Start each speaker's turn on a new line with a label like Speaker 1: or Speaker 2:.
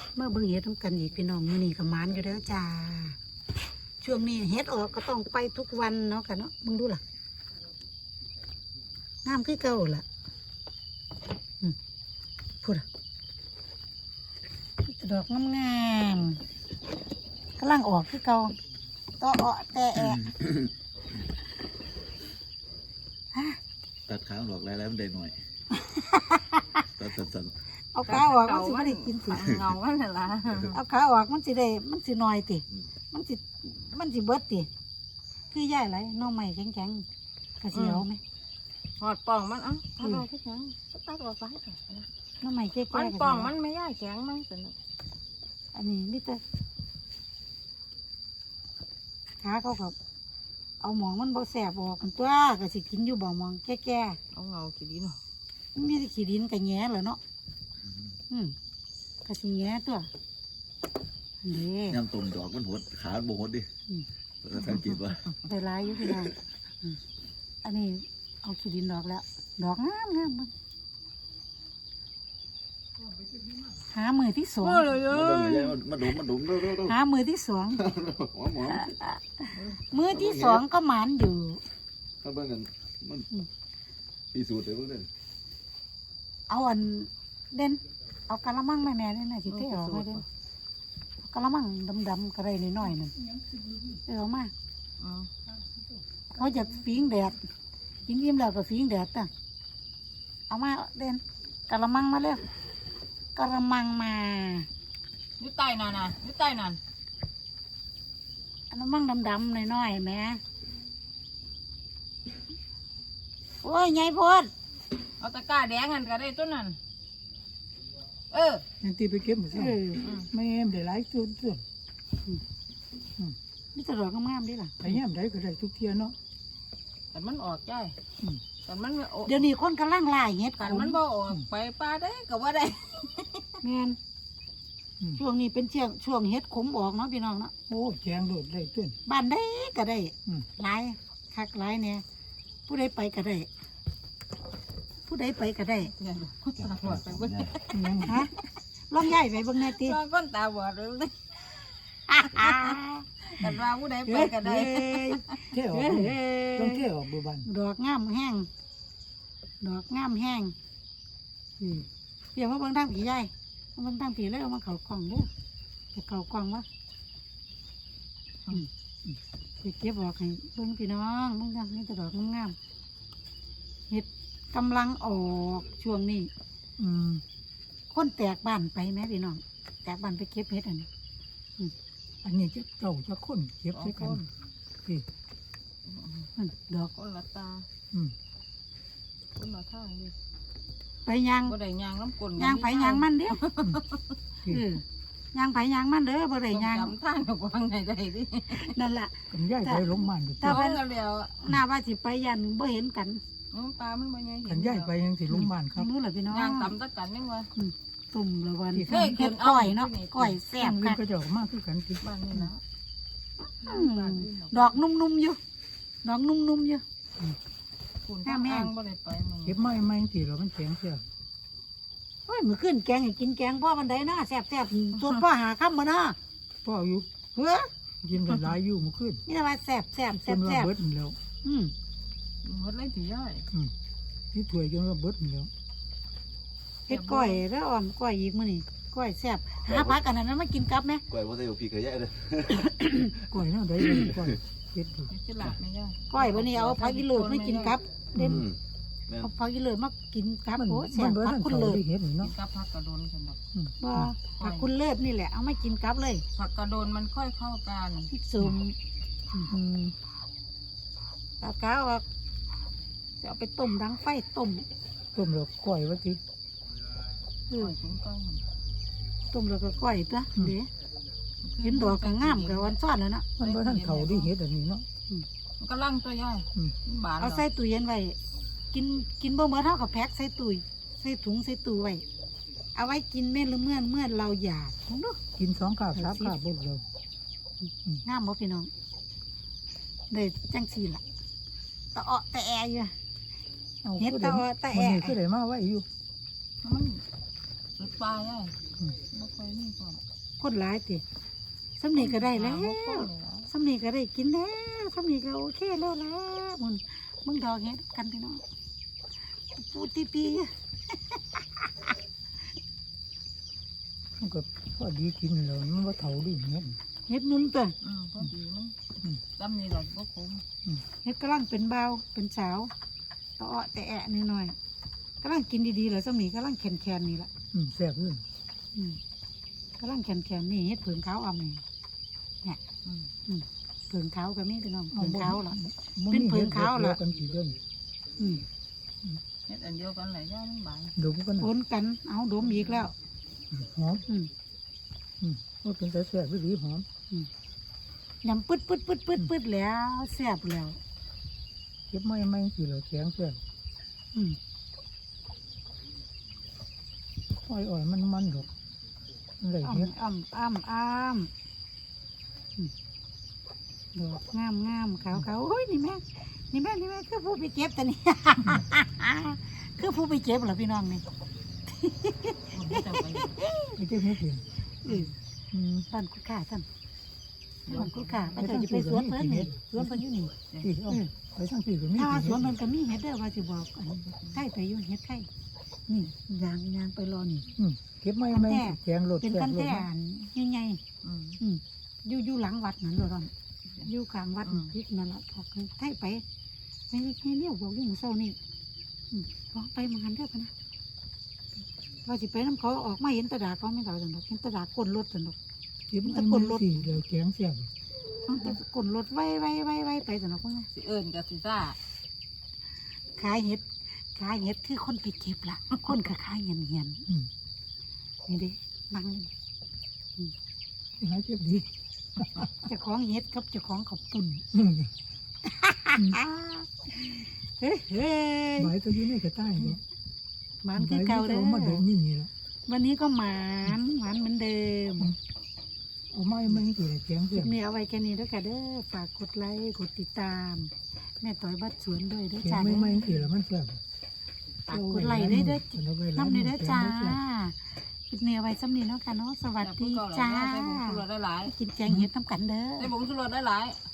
Speaker 1: เมื่อเบิ่งเฮ็ดทำกันอีกพี่น้องมื้อนี้ก็หมานอยู่แล้วจ้าช่วงนี้เฮ็ดออกก็ต้องไปทุกวันเนาะค่ะเนาะมึงดูล่ะงามคือเก่าล่ะพูดอ่ะดอกงามๆกำลังออกคือเก่าต่อแต่แอะ
Speaker 2: ตัดขาออกแล้วมันได้หน่อยตัดสั้น
Speaker 1: เอาขาออกมันสิไม่ได้กินสิ
Speaker 3: เงามันละ
Speaker 1: เอาขาออกมันสิได้มันสิน้อยติมันสิเบิดติคือย่ายไรน้องใหม่แข็งๆกระเสียวไหม
Speaker 3: หอดป่องมันตัดออกแข็งตัดออกไป
Speaker 1: น้องใหม่แก่ๆ
Speaker 3: มัน
Speaker 1: กระ
Speaker 3: ป่อง
Speaker 1: เสียว
Speaker 3: มันไม่ย่ายแข็งมันสนุก
Speaker 1: อันนี้นี่แต่ขาเขากับเอาหมองมันบ่แสบออกกันตัวก็สิกินอยู่บ่หมองแก่
Speaker 3: เอาเงาขี้ดิน
Speaker 1: ๆมันมีแต่ขี้ดินกับแหง่เหรอเนาะก็สิแหง่ตัวอันนี้
Speaker 2: ย่ำตุ่มดอกมันหดขาโบหดดิสังเกตว่า
Speaker 1: ได้หลายอยู่พี่น้องอันนี้เอาขี้ดินดอกแล้วดอกงามมันหามือที่สอง
Speaker 2: มาดุมดู
Speaker 1: หามือที่สอง
Speaker 2: หัวหมอ
Speaker 1: มือที่สองก็หมานอยู่
Speaker 2: ถ้าเบิ่งกันมันพิสูจน์เลยเบิ่งเด้อ
Speaker 1: เอาอันเด่นเอากะละมังมาแม่เนี่ยนะสิเท่ออกมาเด่นเอากะละมังดำๆกระไรน้อยๆนั่นเอามาเขาจะฟิงแดดฟิงยิ้มแล้วก็ฟิงแดดต่ะเอามาเด่นกะละมังมาเร็วกะละมังมา
Speaker 3: อยู่ใต้นั่นน่ะอยู่ใต้นั่น
Speaker 1: กะละมังดำๆน้อยๆแม่โอ้ยใหญ่โพด
Speaker 3: เอาตะกร้าแดงกันก็ได้ต้นนั้น
Speaker 4: นั่นตีไปเก็บหมดสิไม่เอ็มได้หลายส่วน
Speaker 1: นี่จะดอกงามๆดิล่ะ
Speaker 4: ไปย่ำได้ก็ได้ทุกเที่ยเนาะ
Speaker 3: แต่มันออกใจแต่มัน
Speaker 1: เดี๋ยวนี้คนกำลังล่าเห็ด
Speaker 3: แต่มันบ่ออกไปปลาได้ก็ว่าได้
Speaker 1: แม่นช่วงนี้เป็นช่วงเห็ดขมออกเนาะพี่น้องเนาะ
Speaker 4: โอ้แจงโดดได้ต้น
Speaker 1: บ้านได้ก็ได้หลายคักหลายเนี่ยผู้ใดไปก็ได้ผู้ใดไปก็ได้
Speaker 3: เนี่ยตาบอดไปเบิ่ง
Speaker 4: ยัง
Speaker 1: ฮะลองย้ายไปเบิ่งแน่ติ
Speaker 3: ลองก้นตาบอดเลยกันว่าผู้ใดไปก็ได้
Speaker 4: เที่ยวต้องเที่ยวบัวบาน
Speaker 1: ดอกงามแห้งดอกงามแห้งเดี๋ยวมาเบิ่งทางผีใหญ่มาเบิ่งทางผีเลยเอามาเขากล่องเด้อจะเขากล่องวะไปเก็บออกให้เบิ่งพี่น้องเบิ่งทางนี้แต่ดอกงามๆเห็ดกำลังออกช่วงนี้คนแตกบ้านไปไหมพี่น้องแตกบ้านไปเก็บเห็ดอันนี้
Speaker 4: อันนี้จะเจ้าจะค้นเก็บด้วยกันที่
Speaker 1: ดอก
Speaker 3: คนละตาคนละทางดิ
Speaker 1: ไปยาง
Speaker 3: บ่ได้ยางน้ำกลน
Speaker 1: ยางไผยางมันเด้ยางไผยางมันเด้อบ่ได้ยาง
Speaker 3: จำทางกับวางไหนได้ดิ
Speaker 1: นั่นแหละ
Speaker 4: กันย่ายไปลงมันดู
Speaker 1: ถ้า
Speaker 3: เอา
Speaker 1: ว่า
Speaker 3: กันแล้ว
Speaker 1: หน้าว่าสิไปยันบ่เห็นกัน
Speaker 3: ปลามันบ่ใหญ่
Speaker 4: กันย่ายไปยังสิลงมันครับ
Speaker 1: รู้เหรอพี่น้อง
Speaker 3: ยางต่ำตะกันยังวะ
Speaker 1: ตุ่มละวัน
Speaker 3: เคยกิ
Speaker 1: เฮ็
Speaker 3: น
Speaker 1: ดก้อยเนาะก้อยแซ่บ
Speaker 4: เงิ
Speaker 1: ค่ะ
Speaker 4: นก็จะออกมากขึ้นกันที่
Speaker 3: บ้านนี่นะ
Speaker 1: ดอกนุ่มๆอยู่ดอกนุ่มๆอยู่
Speaker 3: คุณทางบ่ได้ไปมึง
Speaker 4: เก็บไม้ไม้ที่เรามันแข็งเสีย
Speaker 1: โอ้ยมื้อขึ้นแกงให้กินแกงพ่อบันไดเนาะแซ่บๆส่วนพ่อหาค่ำบ่เนาะ
Speaker 4: พ่ออยู่
Speaker 1: เฮ้อ
Speaker 4: กินหลายอยู่เมื่อคืน
Speaker 1: นี่ว่าแซ่บ
Speaker 4: จนว่าเบิดแล้ว
Speaker 3: หมดเลยสิย่อย
Speaker 4: ที่ถวยจนว่าเบิดแล้ว
Speaker 1: เฮ็ดก้อยแล้วอ่อมก้อยอีกมื้อนี้ก้อยแซ่บหาผักอันนั้นมากินกับแม่
Speaker 2: กล้วยบ่ใส่พี่เคยแย่เลย
Speaker 4: ก่อยน่าได้เลยก่อยเก็บดู
Speaker 3: สิหลับไม่ย่อย
Speaker 1: ก้อยวันนี้เอาผักอีเลิศมากินกับเด่น
Speaker 2: แม่น
Speaker 1: เอาผักอีเลิศมากินกับ
Speaker 4: มัน
Speaker 1: โอ้แซ่บ
Speaker 4: เบิด
Speaker 1: ผัก
Speaker 4: ทั้ง
Speaker 1: คุณ
Speaker 4: เขา
Speaker 1: เลิศ
Speaker 4: ได้เห็น
Speaker 3: กิ
Speaker 4: เนาะ
Speaker 3: นกับผักกระโดนสำหรับ
Speaker 1: บ่ผักคุณเลิศนี่แหละเอามากินกับเลย
Speaker 3: ผักกระโดนมันค่อยเข้ากัน
Speaker 1: พริกสุ่มตากาวอ่ะจะเอาไปต้มดังไฟต้ม
Speaker 4: ต้มแล้วก่อยว่าที
Speaker 3: ค่อยสูงก้อน
Speaker 1: ต้มแล้วก็ก้อยตัวเดี๋ยวเห็นดอกก็งามกับวันซ้อนแล้วนะ
Speaker 4: มันบ่ทั้งเขาได้เห็นอันนี้เนาะ
Speaker 3: มันก็ลั่งตัวย่อยบาน
Speaker 1: เอาใส่ตู้เย็นไว้กินบ่เหมือนเท่ากับแพ็คใส่ตู้ใส่ถุงใส่ตู้ไว้เอาไว้กินเมื่อเราอยากของดู
Speaker 4: กิน2 กาบ 3 กาบบ่แล้ว
Speaker 1: งามบ่พี่น้องได้จังสีล่ะตะเาะตะแออยู่ เฮ็ดตะอ้อตะแอะ
Speaker 4: มันคือได้มาไว้อยู่
Speaker 3: มันสุดปลาย่อยบ่ค่อยมีพอ
Speaker 1: คนหลายติสำนีก็ได้แล้ว
Speaker 3: บ่ค่อยนี่ล่ะ
Speaker 1: สำนีก็ได้กินแล้วสำนีก็โอเคแล้วแหล้วมึงดอกเฮ็ดกันพี่น้องปูตี
Speaker 4: มันก็พอดีกินแล้วมันว่าเท่าดิเนี่ย
Speaker 1: เฮ็ดมุมตัว
Speaker 3: พอดีมันจำนี่หรอกบ่คุ้ม
Speaker 1: เฮ็ดกำลังเป็นเบาวเป็นสาวตะเาะแต่แอะนิดหน่อยกำลังกินดีๆเหรอสำนีกำลังแข็งๆนี่ล่ะ
Speaker 4: แซ่บเลย
Speaker 1: อืมกำลังแข็งๆนี่เฮ็ดเผืองขาวอ่ำนี่เนี่ยเผืองขาวก็มีพี่น้องเผืองขาวเหรอ เป็นเผืองขาวเหรอ
Speaker 4: กันกี่เดือน
Speaker 1: อืม
Speaker 3: เฮ็ดอันเดียวกันแหละย่ามันบาง
Speaker 4: ดมกัน
Speaker 1: โอนกันเอาดมอีกแล้ว
Speaker 4: หอม ว่าเป็นแต่แซ่บหรือหอม
Speaker 1: ยำปึ๊ดแล้วแซ่บแล้ว
Speaker 4: เก็บไม่กี่เหล่าแข็งแซ่บ
Speaker 1: อืม
Speaker 4: อ่อยมันดอกอะไร
Speaker 1: อ้อม
Speaker 4: เนี่ย
Speaker 1: อ้อมอืมดอกงามขาวโอ้ยนี่แม่คือผู้ไปเก็บแต่นี่ คือผู้ไปเก็บเหรอพี่น้องนี่
Speaker 3: บ่จำไป
Speaker 4: ไม่ใช่ไม่เพียง
Speaker 1: บ้านกุดข่าท่านบ้านกุดข่าไปเถอะจะไปสวนเพิ่นนี่สวนเพิ่นอยู่นี่
Speaker 4: ที่เอาไปทั้งสี่ก็มี
Speaker 1: ถ้าว่าสวนเพิ่นก็มีเห็ดเด้อว่าสิบอกอันไข่ไปอยู่เห็ดไข่นี่ยางไปรอนี่
Speaker 4: เก็บไม่แข็งรถ
Speaker 1: เป็น
Speaker 4: แซ่
Speaker 1: กัน
Speaker 4: บรถ
Speaker 1: แต่อันใหญ่ อยู่หลังวัดนั่นเลยอยู่กลางวัดทิศนั่นแหละพอคือไทยไปไม่เลี้ยวบอกอยู่หมู่เศร้านี่บอกไปมาหันเด้อพะนะว่าสิไปน้ำเขาออกมาเห็นตะดาเขาไม่ต่อสันดอกเห็นตะดากลนรถสันดอก
Speaker 4: เก็บไม่สี่เหล่าแข็งแซ่บ
Speaker 1: ต้องตะกลนรถไว้ไปสันดอกว่าไง
Speaker 3: สิเอิ้นกับสิซ่า
Speaker 1: ขายเห็ดคือคนไปเก็บละคนก็ขายเหียนนี่เด้นั่ง
Speaker 4: หายเจ็บดี
Speaker 1: เจ้าของเห็ดกับเจ้าของข้าวปุ่นเฮ้ย
Speaker 4: ใบตัวนี้ไม่กระต่ายเนาะ
Speaker 1: หมันคือเก่าเด้อ
Speaker 4: มาดมนี่ละ
Speaker 1: วันนี้ก็หมานเหมือนเดิม
Speaker 4: เอาไม่กี่แข็ง
Speaker 1: คลิ
Speaker 4: แซ่
Speaker 1: ป
Speaker 4: บ
Speaker 1: นี้เอาไว้แค่นี้แล้วกันเด้อฝากกดไลค์กดติดตาม แม่ต่อยบัดสวนด้วยเด้อ
Speaker 4: แข็
Speaker 1: จ้าง
Speaker 4: ไม่กี่แล้วมันแซ่บ
Speaker 1: ฝากกดไลค์ด้วยเด้อน้ำเด้อจ้าคลิปนี้เอาไว้ซ้ำนี้เนาะค่ะเนาะสวัสดีจ้า
Speaker 3: ได้ผงชูรสได้หลาย
Speaker 1: กินแกงเห็ดน้ำกันเด้อ
Speaker 3: ได้ผงชูรสได้หลาย